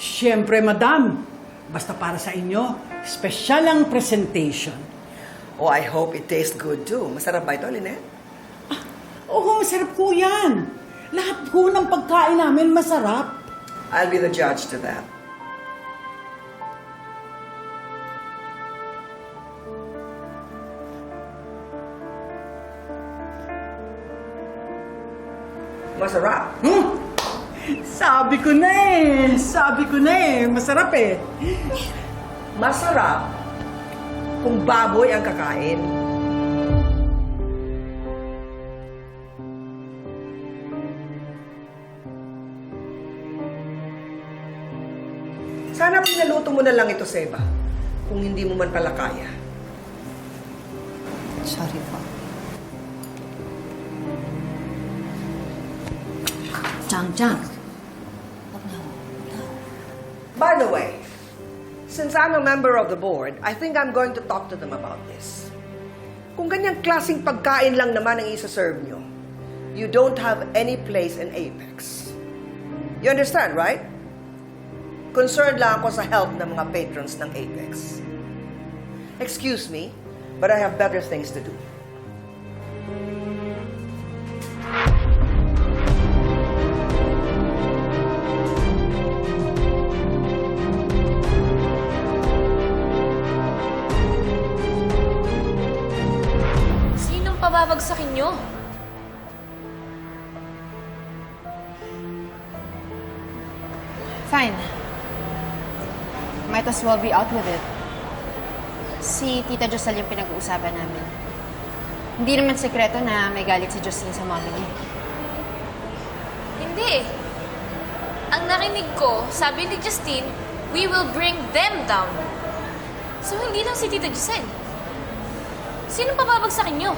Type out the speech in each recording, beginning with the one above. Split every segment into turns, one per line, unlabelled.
Siyempre, madam. Basta para sa inyo, special ang presentation.
Oh, I hope it tastes good too. Masarap ba ito, Lynette?
Oo, masarap po yan. Lahat po ng pagkain namin masarap.
I'll be the judge to that. Masarap.
Sabi ko na masarap eh.
Masarap kung baboy ang kakain. Sana pinaluto mo na lang ito, Seba. Kung hindi mo man pala kaya.
Sorry po.
Chang.
By the way, since I'm a member of the board, I think I'm going to talk to them about this. Kung ganyang klaseng pagkain lang naman ang isa-serve nyo, you don't have any place in Apex. You understand, right? Concerned lang ako sa health ng mga patrons ng Apex. Excuse me, but I have better things to do.
Sinong pababagsakin nyo?
Fine. Might as well be out with it. Si Tita Josel yung pinag-uusapan namin. Hindi naman sekreto na may galit si Justine sa mommy niya.
Hindi. Ang narinig ko, sabi ni Justine, we will bring them down. So, hindi lang si Tita Giselle. Sinong pababagsakin nyo?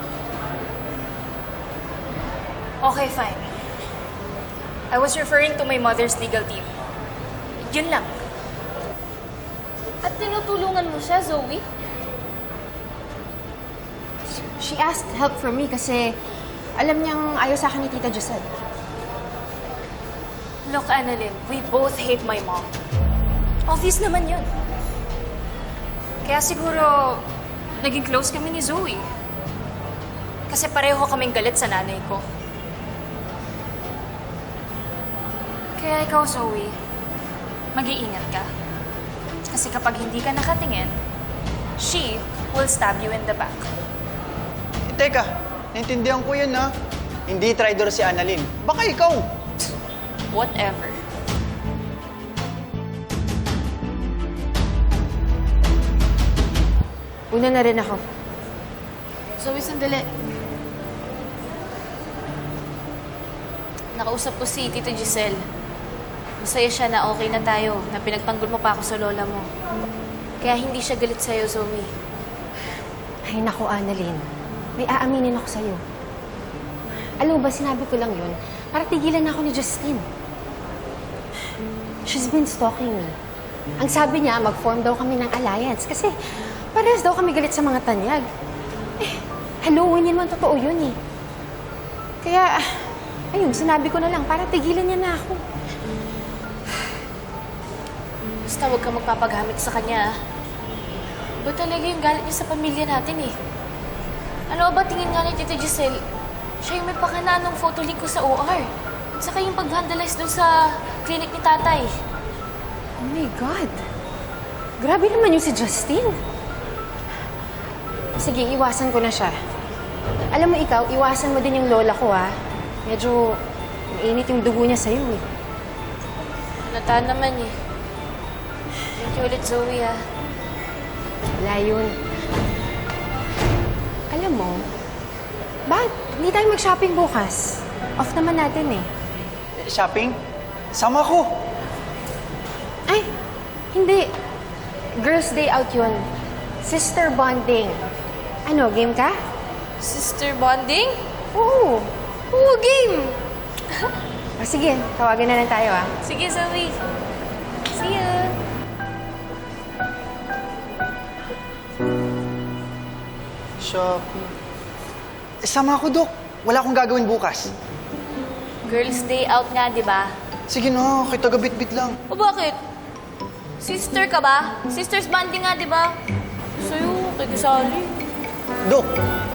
Okay, fine. I was referring to my mother's legal team. Yun lang.
At tinutulungan mo siya, Zoe?
She asked help from me kasi alam niyang ayaw sa akin ni Tita Josel.
Look, Annalyn, we both hate my mom. Obvious naman yun. Kaya siguro, naging close kami ni Zoe. Kasi pareho kaming galit sa nanay ko. Kaya ikaw, Zoe, mag-iingat ka. Kasi kapag hindi ka nakatingin, she will stab you in the back.
Teka, naintindihan ko yun, ha? Hindi traitor si Annalyn. Baka ikaw.
Whatever.
Una na rin ako.
Zoe, sandali. Nakausap ko si Tito Giselle. Masaya siya na okay na tayo, na pinagtanggol mo pa ako sa lola mo. Kaya hindi siya galit sa'yo, Zoe.
Ay, naku, Annalyn. May aaminin ako sa'yo. Alam mo ba, sinabi ko lang yun para tigilan ako ni Justine. She's been stalking me. Ang sabi niya, mag-form daw kami ng alliance kasi parehas daw kami galit sa mga tanyag. Eh, hello, hindi naman totoo yun eh. Kaya, ayun, sinabi ko na lang para tigilan niya na ako.
Basta huwag ka magpapagamit sa kanya, ah. Ba talaga yung galit niya sa pamilya natin, eh? Ano ba tingin nga ni Tita Giselle? Siya yung may pakana nung photo link ko sa OR. At saka yung pag-vandalize dun sa clinic ni tatay.
Oh my God. Grabe naman yung si Justine. Sige, iwasan ko na siya. Alam mo ikaw, iwasan mo din yung lola ko, ha? Medyo mainit yung dugo niya sa'yo, eh.
Nata naman, eh. Thank you ulit, Zoe, ah.
Wala yun. Alam mo, bakit hindi tayo mag-shopping bukas? Off naman natin, eh.
Shopping? Sama ko.
Ay, hindi. Girls' day out yun. Sister bonding. Ano, game ka?
Sister bonding?
Oo.
Oo, game!
O sige, tawagan na lang tayo, ah.
Sige, Zoe. See ya!
Shopping. Sama ko, Dok. Wala akong gagawin bukas.
Girls' day out nga, di ba?
Sige na, kita gabit-bit lang.
O bakit? Sister ka ba? Sisters banding nga, di ba? Sa'yo, kay Kasali.
Dok,